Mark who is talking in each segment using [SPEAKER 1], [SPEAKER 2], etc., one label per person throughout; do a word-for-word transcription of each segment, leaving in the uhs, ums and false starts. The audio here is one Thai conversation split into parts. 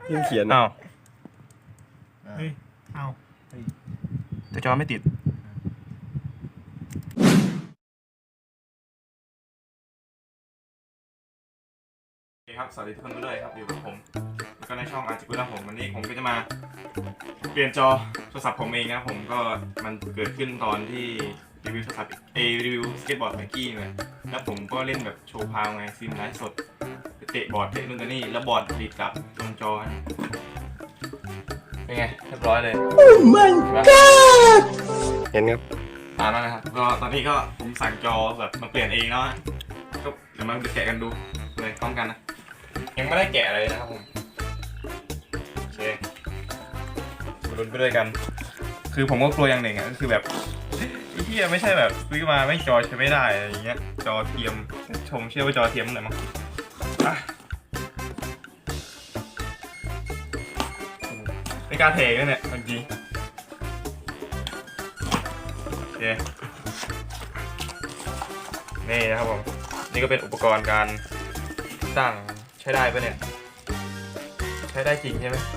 [SPEAKER 1] ยังเขียน
[SPEAKER 2] อ้าว
[SPEAKER 3] เฮ้ยเอา
[SPEAKER 2] แต่จอไม่ติดโอเคครับสวัสดีทุกคนด้วยครับอยู่กับผมแล้วก็ในช่องอาร์จิกุนะผมวันนี้ผมก็จะมาเปลี่ยนจอโทรศัพท์ผมเองนะผมก็มันเกิดขึ้นตอนที่รีวิวโทรศัพท์เอรีวิวสเก็ตบอร์ดไมกี้เลยแล้วผมก็เล่นแบบโชว์พาวไงซิมไลฟ์สดเตะบอร์ดเตะนู่นกับนี่แล้วบอร์ดติดกับตรงจอเป็นไงเรียบร้อยเลยโอ้ my god
[SPEAKER 1] เห็นครับ
[SPEAKER 2] ตามแล้วนะครับก็ตอนนี้ก็ผมสั่งจอแบบมาเปลี่ยนเองแล้วก็เดี๋ยวมาแกะกันดูเลยพร้อมกันนะยังไม่ได้แกะอะไรนะครับผมโอเคมาลุ้นไปด้วยกันคือผมก็กลัวอย่างหนึ่งอ่ะก็คือแบบไอ้เหี้ยไม่ใช่แบบซื้อมาไม่จอใช้ไม่ได้อะไรอย่างเงี้ยจอเทียมชมเชื่อว่าจอเทียมหน่อยมั้งไม่กล้าเทกันเนี่ยจริงโอเคนี่นะครับผมนี่ก็เป็นอุปกรณ์การตั้งใช้ได้ปะเนี่ยใช้ได้จริงใช่ไหม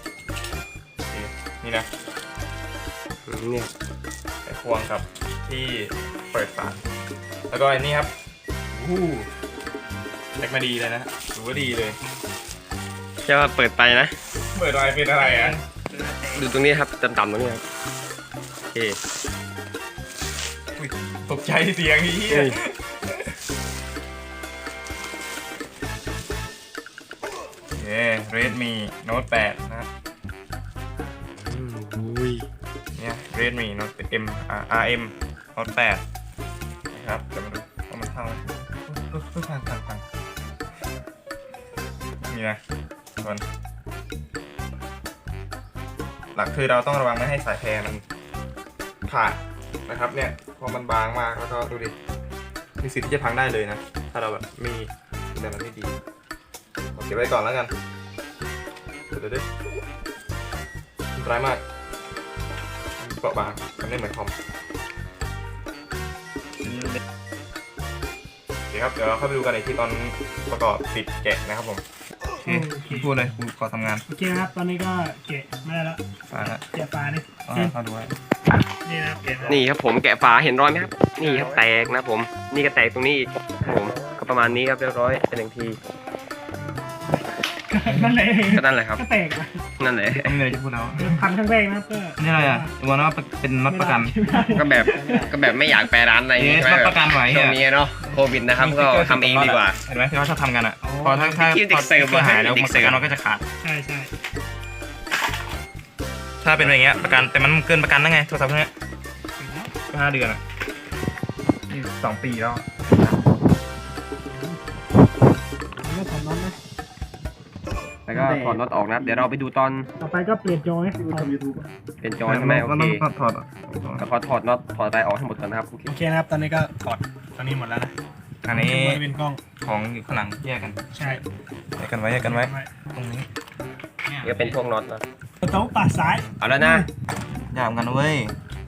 [SPEAKER 2] นี่นะ
[SPEAKER 1] เนี่ย
[SPEAKER 2] ไอ้ควงกับที่เปิดฝาแล้วก็อันนี้ครับอู้เล็กมาดีเลยนะถือว่าดีเลย
[SPEAKER 1] แค่ว่าเปิดไปนะ
[SPEAKER 2] เปิดอะไรเป็นอะไรอ่ะ
[SPEAKER 1] ดูตรงนี้ครับต่ำๆตรงนี้ครับโอเค
[SPEAKER 2] ตกใจเสียงนี้เย้ Redmi Note แปดนะครับ
[SPEAKER 1] อุ้ย
[SPEAKER 2] เนี่ย Redmi Note เอ็ม อาร์ เอ็ม Note แปดนะครับเดี๋ยวมาดูว่ามันเท่าไหร่ทุกทางทางทางนี่นะทุกคนหลักคือเราต้องระวังไม่ให้สายแพรมันขาดนะครับเนี่ยเพราะมันบางมากแล้วก็ดูดิมีสิทธิ์ที่จะพังได้เลยนะถ้าเราแบบมีดูแลมันไม่ดีเก็บไว้ก่อนแล้วกันเดี๋ยวดิมันร้ายมากเปราะบางมันไม่เหมือนคอมโอเคครับเดี๋ยวเราเข้าไปดูกันในที่ตอนประกอบติดแกะนะครับผมโอเคพูดเลยกูขอทำงาน
[SPEAKER 3] โอเคครับตอนนี้ก็เกะไม่ได้แล้ว
[SPEAKER 2] ฝาละ
[SPEAKER 3] เกะปลานี่
[SPEAKER 2] เอาดูไว้
[SPEAKER 3] นี่นะเกะ
[SPEAKER 1] นี่ครับผมแกะฝาเห็นรอยไหมครับนี่ครับแตกนะผมนี่ก็แตกตรงนี้อีกครับผมก็ประมาณนี้ครับเรียบร้อยเป็นหนึ่งที
[SPEAKER 3] นั่นแหละ
[SPEAKER 1] ก็นั่นแหละครับ
[SPEAKER 3] ก็แตกไป
[SPEAKER 1] นั่นแหละ
[SPEAKER 2] ไม่มีอะไรจะพูดแล้ว
[SPEAKER 3] พันครั้งแรกนะครับก็
[SPEAKER 2] นี่อะไรอ่ะตัวนั้นเป็นน็อตประกัน
[SPEAKER 1] ก็แบบก็แบบไม่อยากแปรร้านอะไรอย่างเงี้ย
[SPEAKER 2] น็อตประกันไหว
[SPEAKER 1] ช่วงนี้เนาะโควิดนะครับก็ทำเองดีกว่า
[SPEAKER 2] เห็นไหมที่เขาชอบทำกันอ่ะพอถ้าถ้า
[SPEAKER 1] ที่เด็กเสิร์ฟ
[SPEAKER 2] พอหายแล้ว
[SPEAKER 1] เด็ก
[SPEAKER 2] มัน
[SPEAKER 1] เสิร์ฟ
[SPEAKER 2] กันมันก็จะขาด
[SPEAKER 3] ใช่ใช่
[SPEAKER 2] ถ้าเป็นอย่างเงี้ยประกันแต่มันเกินประกันได้ไงโทรศัพท์เนี้ยห้าเดือนอ่ะนี่สองปีแล้ว
[SPEAKER 3] ไม่ถอดน็อตนะ
[SPEAKER 1] แล้วก็ถอดน็อตออกนะเดี๋ยวเราไปดูตอน
[SPEAKER 3] ต่อไปก็เปลี่ยนจอให้
[SPEAKER 1] เป็นจอใช่ไหมโอ
[SPEAKER 2] มัน
[SPEAKER 1] เค
[SPEAKER 2] ต้องถอดอ่ะ
[SPEAKER 1] แล้วขอถอดน็อตถอดอะไรออกให้หมดก่อนนะครับโอเค
[SPEAKER 3] โอเคนะครับตอนนี้ก็ถอดตอนนี้หมดแล้วนะ
[SPEAKER 2] อันนี้
[SPEAKER 3] จะเป็นกล้อง
[SPEAKER 2] ของอยู่ข้างหลังแยกกัน
[SPEAKER 3] ใช่
[SPEAKER 2] แยกกันไว้แยกกันไว้ตรงนี้
[SPEAKER 1] นี่ก็เป็นพวกน็อตนะ
[SPEAKER 3] โต๊ะปัดซ้าย
[SPEAKER 1] เอาแล้วนะ
[SPEAKER 2] ยากกันนะเว้ย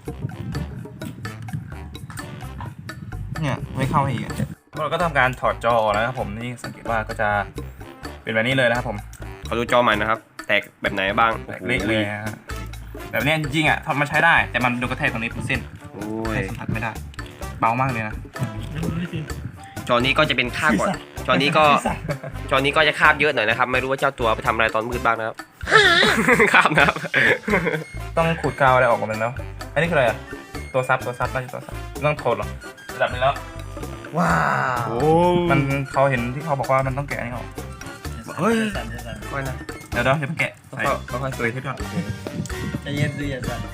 [SPEAKER 2] เนี่ยไม่เข้าให้อีกอ่ะเราก็ทำการถอดจอออกแล้วครับผมนี่สังเกตว่าก็จะเป็นแบบนี้เลยนะครับผม
[SPEAKER 1] ขอดูจอใหม่นะครับแตกแบบไหนบ้าง
[SPEAKER 2] แตกเละเลยฮะแบบนี้จริงๆอ่ะทำมาใช้ได้แต่มันโดนกระแทกตรงนี้เป็นเส้น
[SPEAKER 1] โอ้ย
[SPEAKER 2] สัมผัสไม่ได้เบามากเลยนะ
[SPEAKER 1] จอนี้ก็จะเป็นคาบก่อนจอนี้ก็จอนี้ก็จะคาบเยอะหน่อยนะครับไม่รู้ว่าเจ้าตัวไปทำอะไรตอนมืดบ้างนะครับ คาบนะครับ
[SPEAKER 2] ต้องขูดกาวอะไรออกหมดเลยแล้วอันนี้คืออะไรอ่ะตัวซับตัวซับน่าจะตัวซับต้องโทนหรอระดับนี้แล้วว้าวมันเขาเห็นที่เขาบอกว่ามันต้องแกะอันนี้ออกเฮ้ย
[SPEAKER 1] ค่อยนะ
[SPEAKER 2] เดี๋ยวเดี๋ยวเดี๋ยวมันแกะใส่
[SPEAKER 1] ก็ค่อย
[SPEAKER 2] เตยที่ก่อน
[SPEAKER 4] จะเย็นสิอย่าสั่น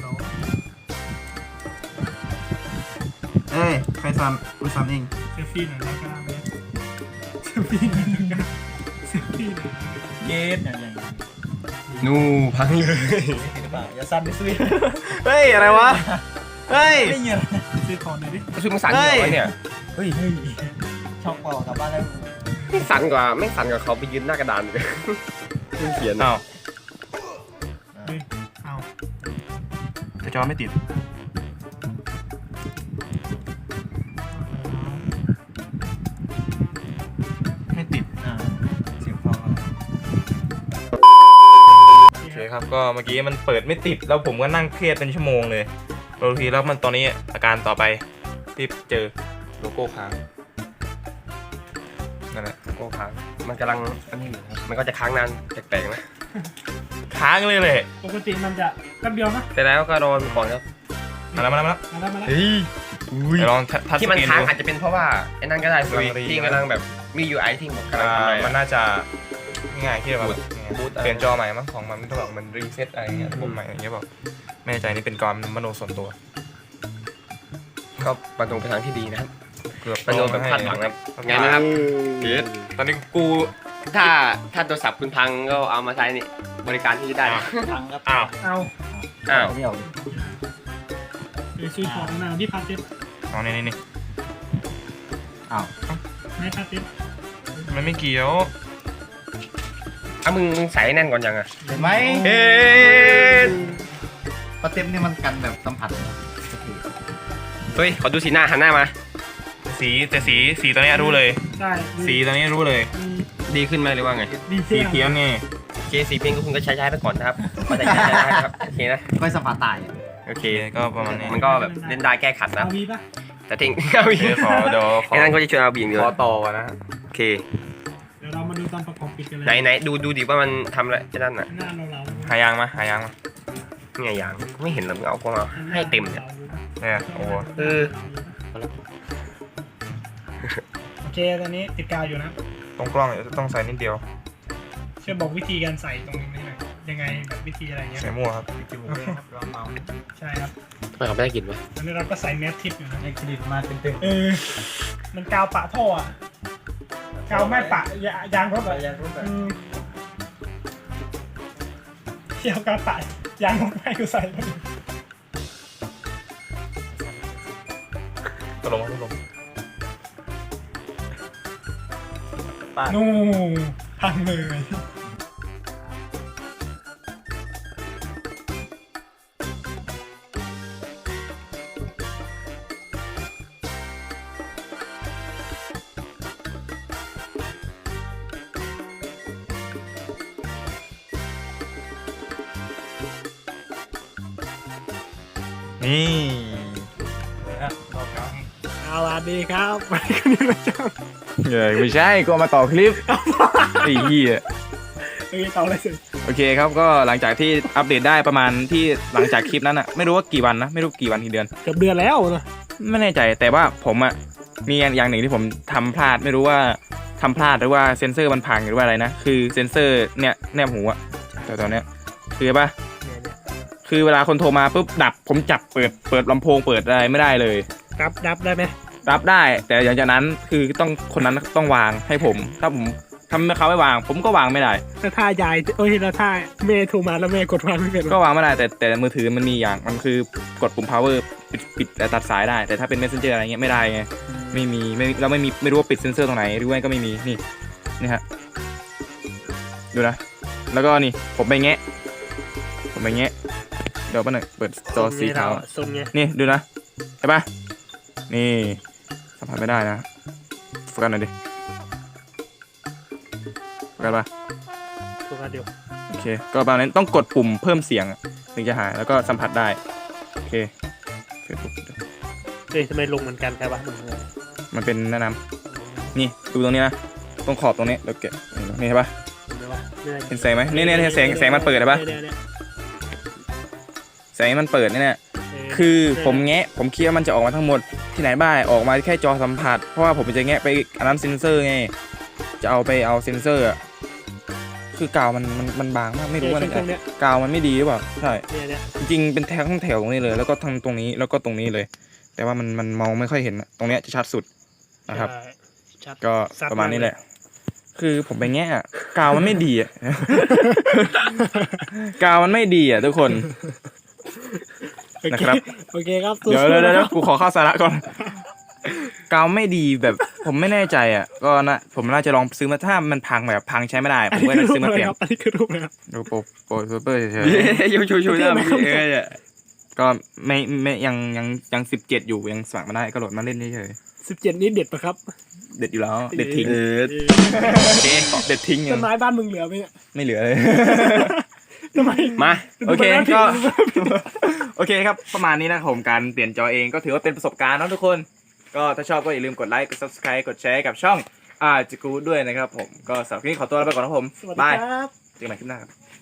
[SPEAKER 2] เอ้ยใครซ้ำกูซ้ำเอง
[SPEAKER 3] เซลฟี่หน่อยแล้วก็เซลฟี่หน่อยแล้วก็เซลฟี่หน่อย
[SPEAKER 4] เย็นอย่างไร
[SPEAKER 1] นู่พังเลย
[SPEAKER 4] หรือเปล่าอย่าสั่นไปซื้อ
[SPEAKER 2] เฮ้ยอะไรวะเฮ้ย
[SPEAKER 4] ไม่เงี้ย
[SPEAKER 3] ซื้อของหน่อยดิ
[SPEAKER 1] ชุดมึงสั่นอยู่วะเนี่ย
[SPEAKER 2] เฮ้ย
[SPEAKER 4] เฮ้ยช็อกเปล่ากลับบ้านแล้ว
[SPEAKER 1] ไม่สั่นกว่าไม่สั่นกว่าเขาไปยืนหน้ากระดานเลยเขียน
[SPEAKER 2] อ้าว
[SPEAKER 3] เฮ้ยเอา
[SPEAKER 2] แต่จอไม่ติดไม่ติด
[SPEAKER 4] อ่าเสียงพอ
[SPEAKER 2] ครับก็เมื่อกี้มันเปิดไม่ติดแล้วผมก็นั่งเครียดเป็นชั่วโมงเลยบางทีแล้วมันตอนนี้อาการต่อไปที่เจอโลโก้ค้างนั่นแหละ
[SPEAKER 1] โก้ค้างมันกำลังอันนี้อยู่ครับมันก็จะค้างนานแปลกๆนะ
[SPEAKER 2] ค้างเลยเลย
[SPEAKER 3] ปกติมันจะแป๊บเดียวนะ
[SPEAKER 1] แต่แล้วก็รอมันก่อนครับ
[SPEAKER 2] มาแล้วมาแล้วมาแล้ว
[SPEAKER 3] มาแล้วมาแล้ว
[SPEAKER 1] เฮ้ย
[SPEAKER 2] เดี๋ยวลองทัช
[SPEAKER 1] ที่
[SPEAKER 2] ส
[SPEAKER 1] มัน
[SPEAKER 2] กรีน
[SPEAKER 1] ค้าง
[SPEAKER 2] ดู
[SPEAKER 1] อาจจะเป็นเพราะว่าไอ้นั่นก็ได้สุย
[SPEAKER 2] กำลังรี
[SPEAKER 1] ที่กำลังแบบมี ยู ไอ ที่บอกกำลัง
[SPEAKER 2] อ่า
[SPEAKER 1] ทำอะไร
[SPEAKER 2] มัน
[SPEAKER 1] อะ
[SPEAKER 2] น่าจะง่ายๆที่แบบ
[SPEAKER 1] บูตบูต
[SPEAKER 2] เปลี่ยนจอใหม่มั้งของมันต้องแบบมันรีเซ็ตอะไรเงี้ยระบบใหม่อะไรเงี้ยบอกไม่แน่ใจนี่เป็นความมโนส่วนตัว
[SPEAKER 1] ก็ประตูไปทางที่ดีนะครับ
[SPEAKER 2] เกือบ
[SPEAKER 1] ประตูแบบคาดหวังครับไงนะครับเดี๋ยว
[SPEAKER 2] ตอนนี้กู
[SPEAKER 1] ถ้าถ้าโทรศัพท์คุณพังก็เอามาใช้นี่บริการที่จะได้นะ
[SPEAKER 4] พังครับ
[SPEAKER 2] อ้าว
[SPEAKER 3] เอา
[SPEAKER 1] อ้าว
[SPEAKER 4] เดี่ยวดิ
[SPEAKER 3] เดี๋ยวซื้อของมาที่พาเซ็ต
[SPEAKER 2] เอานี่นี่นี่
[SPEAKER 4] อ้าว
[SPEAKER 3] ไม่พาเซ็ต
[SPEAKER 2] มันไม่เกี่ยว
[SPEAKER 1] อ่ะมึงมึงใส่แน่นก่อนยังอ่ะ
[SPEAKER 4] เห็นไหม
[SPEAKER 1] เอ๊ะ
[SPEAKER 4] ปลาเต็มนี่มันกันแบบสัมผัสเลย
[SPEAKER 1] เฮ้ยขอดูสีหน้าหันหน้ามา
[SPEAKER 2] สีแต่สีสีตัวเนี้ยรู้เลย
[SPEAKER 3] ใช่
[SPEAKER 2] สีตัวนี้รู้เลย
[SPEAKER 1] ดีขึ้นไหมหรือว่าไง
[SPEAKER 3] ดี
[SPEAKER 2] สี
[SPEAKER 3] เทีย
[SPEAKER 2] เขียวนี่
[SPEAKER 1] โอเคสีเพียงก็คุณก็ใช้ใช้ไปก่อนนะครับก็จะใช้ใช้ได้ครับโอเคนะ
[SPEAKER 4] ก็สัมผัสตาย
[SPEAKER 1] โอเค
[SPEAKER 2] โอเคก็ประมาณนี้
[SPEAKER 1] มันก็แบบเล่นได้แก้ขัดนะ
[SPEAKER 3] เอาวีปะ
[SPEAKER 1] แต่ทิ้งเอา
[SPEAKER 2] โอ
[SPEAKER 1] อี
[SPEAKER 2] เค
[SPEAKER 1] ก
[SPEAKER 2] ขอเดี๋ยวขอ
[SPEAKER 1] ไอ้นั่นก็จะชวนเอาบีอย่างเดียว
[SPEAKER 2] ขอต่อก่อนนะ
[SPEAKER 1] โอเค
[SPEAKER 3] เดี๋ยวเรามาดูตอนประกอบปิดกันเลย
[SPEAKER 1] ไหนไหนดูดูดิว่ามันทำอะไรไอ้นั่นน่ะ
[SPEAKER 3] หน้าเราเรา
[SPEAKER 2] หายางมาหายางมา
[SPEAKER 1] ไงอย่างไม่เห็นหรอกมึงเอาก็มาให้เต็มเนี่ย
[SPEAKER 2] เนี่ยโอ้โห
[SPEAKER 1] เออ
[SPEAKER 3] โอเคตอนนี้ติดกาวอยู่นะ
[SPEAKER 2] ตรงกล้องเนี่ยต้องใส่นิดเดียว
[SPEAKER 3] ช่วยบอกวิธีการใส่ตรงนี้หน่อยยังไงแบบวิธีอะไรเงี้ย
[SPEAKER 2] ใส่มั่วครับ
[SPEAKER 4] จมูกเลยครับเราเมา
[SPEAKER 3] ใช่ครับ
[SPEAKER 1] ทำไมเขาไม่ได้กินวะ
[SPEAKER 3] ตอนนี้เราก็ใส่แมสทิปอยู่นะ
[SPEAKER 4] ในเครดิตมาเต็ม
[SPEAKER 3] เออมันกาวปะท่ออะกาวไม่ปะยายางรถ
[SPEAKER 4] ๆ
[SPEAKER 3] อะ
[SPEAKER 4] อยากรู้แบบ
[SPEAKER 3] อืมเที่ยวกาวปะยางรถไม่กูใส่เลย
[SPEAKER 2] ตกลงตกลง
[SPEAKER 3] นู่พังเลย
[SPEAKER 2] นี่
[SPEAKER 3] สวัสดีครับวันนี้ก็นี่เราจะ
[SPEAKER 2] เฮ้ยไม่ใช่ก็มาต่อคลิปไอ้เหี้ย
[SPEAKER 3] เออต่อเลยสิ
[SPEAKER 2] โอเคครับก็หลังจากที่อัปเดตได้ประมาณที่หลังจากคลิปนั้นอะไม่รู้ว่ากี่วันนะไม่รู้กี่วันกี่เดือน
[SPEAKER 3] เกือบเดือนแล้วนะ
[SPEAKER 2] ไม่แน่ใจแต่ว่าผมอะมีอย่างหนึ่งที่ผมทำพลาดไม่รู้ว่าทำพลาดหรือว่าเซ็นเซอร์มันพังหรือว่าอะไรนะคือเซ็นเซอร์เนี่ยแนบหูอะแต่ตอนเนี้ยคือป่ะคือเวลาคนโทรมาปุ๊บดับผมจับเปิดเปิดลำโพงเปิดอะไรไม่ได้เลย
[SPEAKER 3] รับรับได้ไหม
[SPEAKER 2] รับได้แต่หลังจากนั้นคือต้องคนนั้นต้องวางให้ผม ถ้าผมทำให้เขาไม่วาง ผมก็วางไม่ได้
[SPEAKER 3] ถ้าท่ายายโอ้ยแล้วท่าเมย์โทรมาแล้วเมย์กดวางไม่เป็น
[SPEAKER 2] ก็วางไม่ได้แต่แต่มือถือมันมีอย่างมันคือกดปุ่ม power ปิดปิดและตัดสายได้ แต่ถ้าเป็น messenger อะไรเงี้ยไม่ได้ไงไม่มีไม่เราไม่มีไม่รู้ว่าปิดเซนเซอร์ตรงไหนหรือว่าก็ไม่มีนี่นี่ฮะดูนะแล้วก็นี่ผมไปแงะผมไปแงะเดี๋ยวแป๊บหนึงเปิดจอสีขาว
[SPEAKER 3] ทรงไง
[SPEAKER 2] นี่ดูนะเห็นปะนี่สัมผัสไม่ได้นะโฟกัสหน่อยดิโฟกัสปะ
[SPEAKER 3] โฟกัสเดียว
[SPEAKER 2] โอเคก็ประมาณนั้นต้องกดปุ่มเพิ่มเสียงถึงจะหายแล้วก็สัมผัสได้โอเค Facebook
[SPEAKER 3] เฮ้ยทำไมลงเหมือนกันครับวะหนุ่มเลย
[SPEAKER 2] มันเป็นแนะนำนี่ดูตรงนี้นะตรงขอบตรงนี้แล้วแกะนี่เห็นปะเห็นแสงไหมนี่เนี่ยแสงแสงมันเปิดเห็นปะแสงมันเปิดเนี่ยคือผมแงะผมคิดว่ามันจะออกมาทั้งหมดที่ไหนบ้างออกมาแค่จอสัมผัสเพราะว่าผมจะแงะไปอันนั้นเซนเซอร์ไงจะเอาไปเอาเซนเซอร์อะคือกาวมันมันมันบางมากไม่รู้ว่าเนี่ยกาวมันไม่ดีหรือเปล่าใช่
[SPEAKER 3] เนี่ยเนี่ย
[SPEAKER 2] จริงๆเป็นแถวทั้งแถวตรงนี้เลยแล้วก็ทั้งตรงนี้แล้วก็ตรงนี้เลย แต่ว่ามันมันมองไม่ค่อยเห็นอะตรงเนี้ยจะชัดสุดนะครับ
[SPEAKER 3] ชัด
[SPEAKER 2] ก็ประมาณนี้แหละ คือผมไปแง่อะกาวมันไม่ดีอ่ะ กาวมันไม่ดีอ่ะทุกคน นะครับ
[SPEAKER 3] โอเคครับ
[SPEAKER 2] เดี๋ยวเดี๋ยวเดี๋ยวกูขอเข้าสาระก่อน กาวไม่ดีแบบผมไม่แน่ใจอ่ะ ก็นะผมน่าจะลองซื้อมาถ้ามันพังแบบพังใช้ไม่ได้ ผมก็จะซื้อมาเปลี่ยน
[SPEAKER 3] อันนี้คือรูปอะไรครับ
[SPEAKER 2] ดูโปรโปรซูเปอร์เฉย
[SPEAKER 1] ยูชูชูหน้ามึงเอ้ยอะ
[SPEAKER 2] ๆก็ไม่ไม่ยังยังยังสิบเจ็ดอยู่ยังสมัครมาได้ก็โหลดมาเล่นเฉย
[SPEAKER 3] สิบเจ็ดนี้เด็ดปะครับ
[SPEAKER 2] ๆเด็ดอยู่แล้วเด็ดทิ้ง
[SPEAKER 1] เออโอเค
[SPEAKER 2] เด็ดทิ้งยั
[SPEAKER 3] ต้น
[SPEAKER 2] ง
[SPEAKER 3] ไม้บ้านมึงเหลือไหมเนี่ย
[SPEAKER 2] ไม่เหลือเลย
[SPEAKER 3] ทำไม
[SPEAKER 2] มา โอเค
[SPEAKER 3] ดูมัน
[SPEAKER 2] ก็
[SPEAKER 3] น่าผิด
[SPEAKER 2] โอเคครับ ประมาณนี้นะครับผมการเปลี่ยนจอเองก็ถือว่าเป็นประสบการณ์เนาะทุกคน ก็ถ้าชอบก็อย่าลืมกดไลค์ กด subscribe กดแชร์กับช่องอาจิกูด้วยนะครับผม ก็สำหรับคลิปนี้ขอตัวลาไปก่อนนะครับผม
[SPEAKER 3] สวัสดี
[SPEAKER 2] บาย
[SPEAKER 3] ครับ
[SPEAKER 2] เจอกันใหม่คลิปหน้าครับ